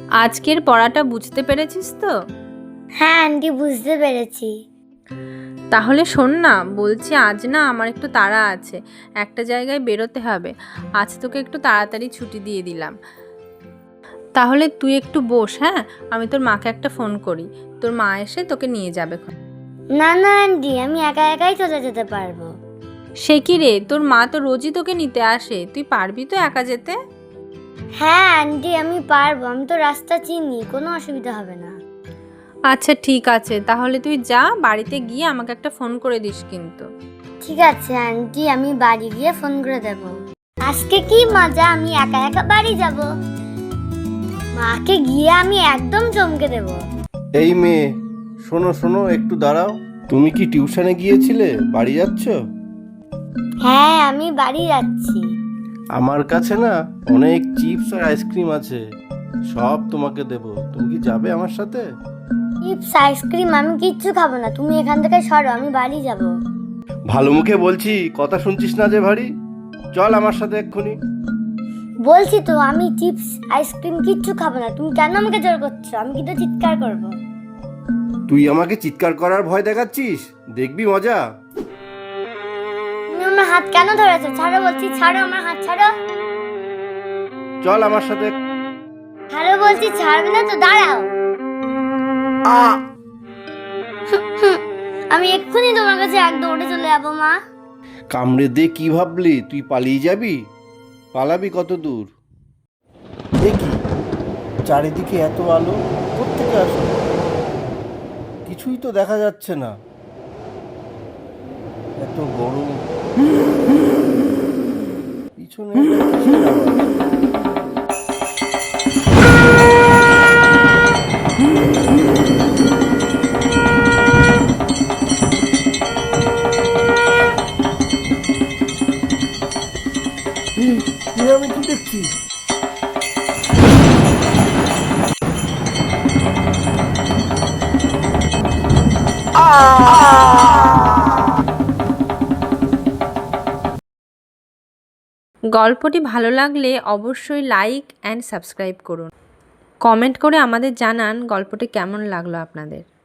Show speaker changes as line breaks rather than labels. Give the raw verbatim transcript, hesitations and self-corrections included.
আজকের পড়াটা বুঝতে পেরেছিস তো?
হ্যাঁ আন্টি, বুঝতে পেরেছি।
তাহলে শোন না, বলছি আজ না আমার একটু তাড়া আছে, একটা জায়গায় বেরোতে হবে। আজ তোকে একটু তাড়াতাড়ি ছুটি দিয়ে দিলাম। তাহলে তুই একটু বস, হ্যাঁ? আমি তোর মাকে একটা ফোন করি, তোর মা এসে তোকে নিয়ে যাবে।
না না আন্টি, আমি একা একাই চলে যেতে পারবো।
সে কি রে, তোর মা তো রোজই তোকে নিতে আসে, তুই পারবি তো একা যেতে?
হ্যাঁ আন্টি, আমি পারবো, আমি তো রাস্তা চিনি, কোনো অসুবিধা হবে না।
আচ্ছা ঠিক আছে, তাহলে তুই যা, বাড়িতে গিয়ে আমাকে একটা ফোন করে দিস কিন্তু।
ঠিক আছে আন্টি, আমি বাড়ি গিয়ে ফোন করে দেব। আজকে কি মজা, আমি একা একা বাড়ি যাব। মাকে গিয়ে আমি একদম চমকে দেব।
এই মেয়ে, শোনো শোনো, একটু দাঁড়াও। তুমি কি টিউশনে গিয়েছিলে? বাড়ি যাচ্ছ?
হ্যাঁ, আমি বাড়ি যাচ্ছি।
আমার কাছে না অনেক চিপস আর আইসক্রিম আছে, সব তোমাকে দেব। তুমি কি যাবে আমার সাথে?
চিপস আইসক্রিম আমি কিচ্ছু খাবো না, তুমি এখান থেকে সরো, আমি বাড়ি যাব।
ভালো মুখে বলছি, কথা শুনছিস না যে ভারী? চল আমার সাথে এক্ষুনি।
বলছি তো আমি চিপস আইসক্রিম কিচ্ছু খাবো না, তুমি কেন আমাকে জোর করছো? আমি কিন্তু চিৎকার করব।
তুই আমাকে চিৎকার করার ভয় দেখাচ্ছিস? দেখবি মজা।
তুমি আমার হাত কেন ধরেছো? ছাড়ো বলছি, ছাড়ো আমার হাত, ছাড়ো।
চল আমার সাথে।
ছাড়ো বলছি, ছাড়বে না তো, দাঁড়াও।
আ
আমি এক্ষুনি তোমার কাছে এক দৌড়ে চলে যাবো মা।
কামড়ে দে কি ভাবলি? তুই পালিয়ে যাবি? পালাবি কত দূর? দেখি চারিদিকে এত আলো, কোত্থেকে আসো? কিছুই তো দেখা যাচ্ছে না, এত গরম। পিছনে এটা কিসের আওয়াজ? এই, এ আমি কি দেখছি?
গল্পটি ভালো লাগলে অবশ্যই লাইক অ্যান্ড সাবস্ক্রাইব করুন। কমেন্ট করে আমাদের জানান গল্পটি কেমন লাগলো আপনাদের।